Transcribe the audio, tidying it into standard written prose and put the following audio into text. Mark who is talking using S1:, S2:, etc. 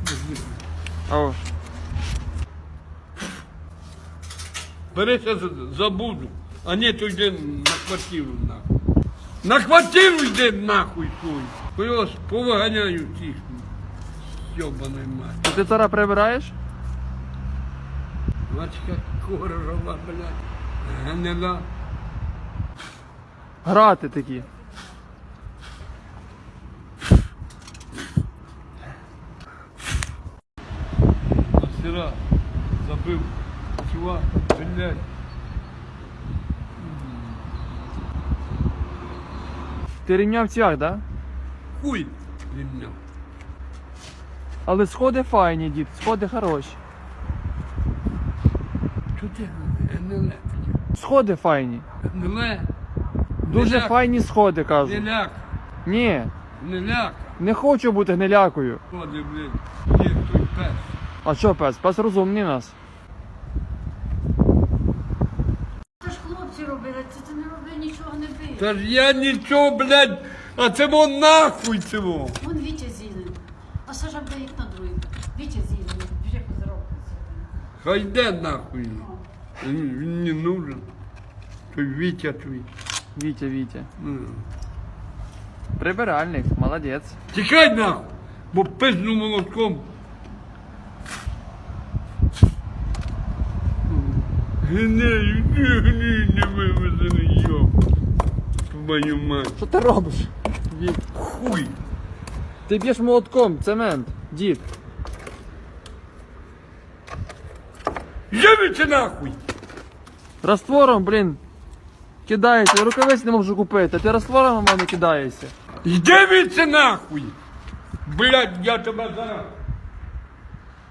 S1: О.
S2: Бери, сейчас забуду. А ні, то йди на квартиру нахуй. На квартиру йди нахуй свою. Ось повиганяю всіх. Йобаний мать.
S1: То ти зараз прибираєш?
S2: Мачка корова, блядь. Гнила.
S1: Грати такі.
S2: Сира забив. Чувак, блядь.
S1: Ти рівняв цвях, да?
S2: Хуй рівняв.
S1: Але сходи файні, дід, сходи хороші.
S2: Чого ти гниле?
S1: Сходи файні.
S2: Гниле?
S1: Дуже
S2: Гниляк.
S1: файні сходи, кажу.
S2: Гниляк.
S1: Ні,
S2: Гниляк.
S1: не хочу бути гнилякою.
S2: Ходи, блядь. Є той пес.
S1: А що пес? Пес розумний нас.
S3: Це ж хлопці робили, це ти не робив, нічого не бив.
S2: Та ж я нічого, блядь, а це вон нахуй цього.
S3: Вон Вітя зілений, а Саша буде як на другий. Вітя зілений, вже позаробиться.
S2: Хай йде нахуй. Він не нужен. Той Вітя твій.
S1: Вітя.
S2: Ну.
S1: Прибиральник, молодець.
S2: Тікай нахуй, бо пизну молотком. Гнею, не вивезений, йоб. Твою мать.
S1: Що ти робиш? Віт.
S2: Хуй.
S1: Ти б'єш молотком, цемент, дід.
S2: Явіться нахуй.
S1: Раствором, блін, кидаєшся, рукавиць не можу купити, а ти раствором на мене кидаєшся.
S2: Йди віце нахуй. Блядь, я тебе зараз